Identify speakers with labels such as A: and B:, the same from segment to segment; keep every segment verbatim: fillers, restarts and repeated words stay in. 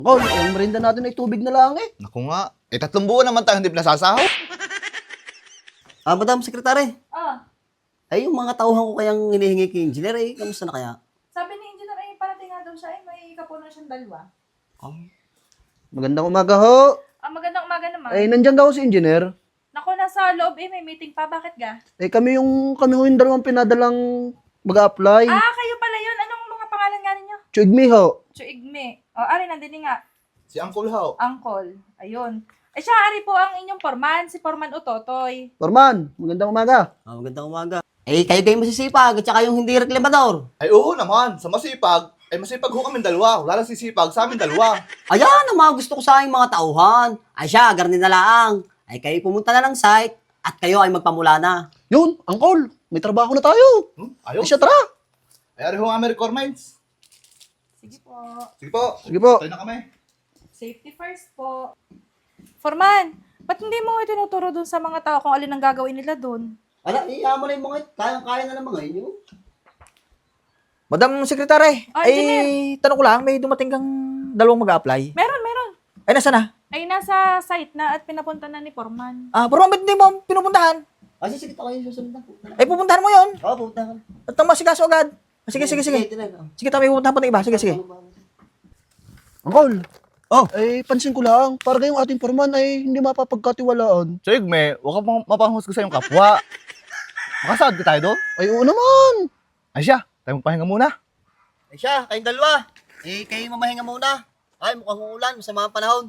A: Angkol, ang merinda natin ay tubig na lang eh.
B: Naku nga. Eh, tatlong buwan naman tayo hindi pinasasahod.
A: Ah, Madam Sekretary.
C: Ah,
A: Ay, yung mga tauhan ko kayang hinihingi kay engineer eh, kamusta na kaya?
C: sabi ni Engineer ay parating nga daw siya ay may kapunan siyang dalawa.
A: Magandang umaga ho.
C: Ah, magandang umaga naman.
A: Ay, nandyan daw si engineer.
C: Naku, nasa loob eh, may meeting pa. Bakit ga?
A: Eh, kami yung, kami ho yung dalawang pinadalang mag-a-apply.
C: Ah, kayo pala yun. Anong mga pangalan nga ninyo?
A: Chugmi ho.
C: Chuigme. O, ari, nandini nga.
B: Si Uncle How.
C: Angkol. Ayun. Eh, siya, ari po ang inyong forman, si Forman Utotoy.
A: Forman, magandang umaga.
D: Ah, magandang umaga. Eh, kayo kayo masisipag at saka yung hindi reklamador.
B: Ay, oo naman. Sa masipag, ay masipag ho kami dalawa. Wala lang sisipag sa amin dalawa.
D: Ayan ang mga gusto ko sa aking mga tauhan. Ay siya, garni na lang. Ay kayo pumunta na ng site at kayo ay magpamula na.
A: Yun, Angkol, may trabaho na tayo.
B: Hmm?
A: Ay,
B: Ayos.
A: siya, tara.
B: Ay, ari ho ang aming requirements.
C: Sige po.
B: Sige po.
A: Sige po.
B: Tayo na kami.
C: Safety first po. Forman, ba't hindi mo itinuturo dun sa mga tao kung alin ang gagawin nila dun?
D: Ala, iyama na yung mga kayang-kaya na ng mga inyo.
E: Madam Secretary,
C: Ah,
E: ay
C: engineer.
E: tanong ko lang, may dumating kang dalawang mag-a-apply?
C: Meron, meron.
E: Ay, nasa na?
C: Ay, nasa site na at pinapunta na ni Forman.
E: Ah, pero bakit hindi mo pinupuntahan?
D: Ay, sige, kayo susunod na.
E: Ay, pupuntahan mo yon.
D: Oo, pupunta ka.
E: At ang masikaso agad. Ah, sige, sige, sige.
D: Ito na, oh.
E: Sige, tayo may pupuntahan pa ng iba. Sige, sige.
A: Angkol.
E: Oh.
A: Eh, pansin ko lang, para kayong ating forman ay hindi mapapagkatiwalaan.
B: So, Igme, huwag ka pang mapanghusga sa iyong kapwa. Makasahod ka tayo doon?
A: Ay, oo naman.
B: Ay siya, tayo magpahinga muna.
D: Ay siya, kayong dalawa. Eh, kayo mamahinga muna. Ay, mukhang uulan. Masama ang panahon.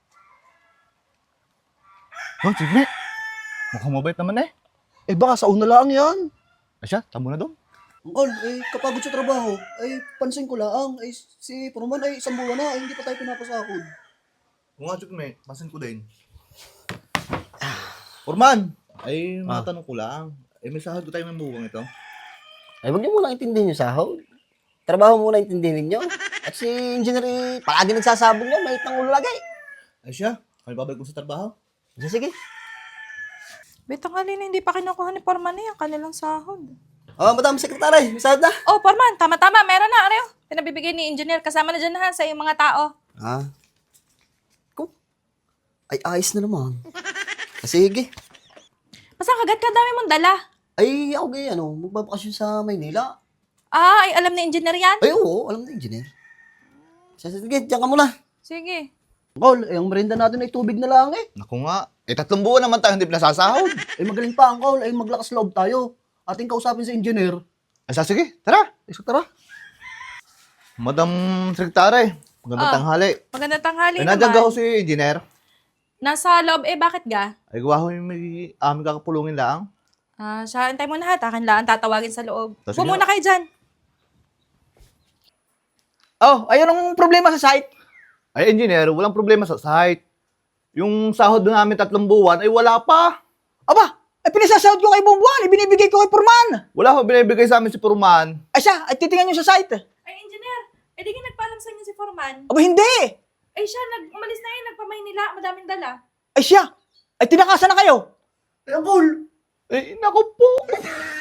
B: Oh, Igme. Mukhang mabait naman eh.
A: Eh, baka sa una lang yan.
B: Ay siya, tamo na doon.
A: Angkol, eh, kapagod sa trabaho, ay, pansin ko lang, ay, si forman ay isang buwan na, ay, hindi pa tayo pinapasakod.
B: Kung nga, Igme, pasin ko din. Forman, ay
D: Ah.
B: matanong ko lang. Eh, may sahod ko tayo may muwang ito.
D: Ay, huwag niyo muna intindihin yung sahod. Trabaho muna intindihin niyo. At si engineer, eh, palagi nagsasabog niya. May itang ulo lagi.
B: Ay siya, kami babalik ko sa trabaho.
D: Sige, sige.
C: Betang halina, hindi pa kinukuha ni Forman eh, ang kanilang sahod.
D: Oh, Madam Secretary, may sahod na.
C: Oh, Forman, tama-tama, meron na, ano pinabibigay ni Engineer, kasama na dyan na ha, sa iyong mga tao.
D: Ah. Ko. Ay, ayos na naman. Ah, sige.
C: Basta kagad ka dami mong dala.
D: Ay, ako gay, ano, magbabakasyon sa Maynila.
C: Ah, ay alam ni Engineer yan?
D: Ay, oo, alam na engineer. Sige, sige, diyan ka muna.
C: Sige.
A: Angkol, eh, ang merinda natin ay tubig na lang eh.
B: Naku nga. Eh, tatlong buwan naman tayo hindi pinasasahod.
A: Eh, magaling pa, Angkol, ay, maglakas loob tayo. Ating kausapin sa engineer.
B: Ay, sa sige, tara.
A: Eh, so, tara.
B: Madam Secretary, magandang
C: Ah.
B: tanghali.
C: Magandang tanghali
B: Ay, nandiyan
C: naman.
B: ka ho si engineer.
C: Nasa loob eh, bakit ga?
B: Ay, gawa ho yung may aming kakapulungin lang.
C: Ah, siya, antay mo na ha, takin lang, tatawagin sa loob.
B: Sige.
C: Bumuna kayo dyan.
E: Oh, ayun ang problema sa site.
B: Ay, engineer, walang problema sa site. Yung sahod namin tatlong buwan, ay wala pa.
E: Aba, ay pinasasahod ko kay buwan, ibinibigay ko kay Purman.
B: Wala ho binibigay sa amin si Purman.
E: Ay siya, ay titingnan nyo sa site.
C: Ay, Engineer, eh di nagpaalam sa inyo si Forman.
E: Aba, hindi.
C: Ay siya, nag umalis na yun, nagpamaynila, madaming dala.
E: Ay siya, ay tinakasan na kayo.
A: Eh, Angkol,
B: Eh, naku po.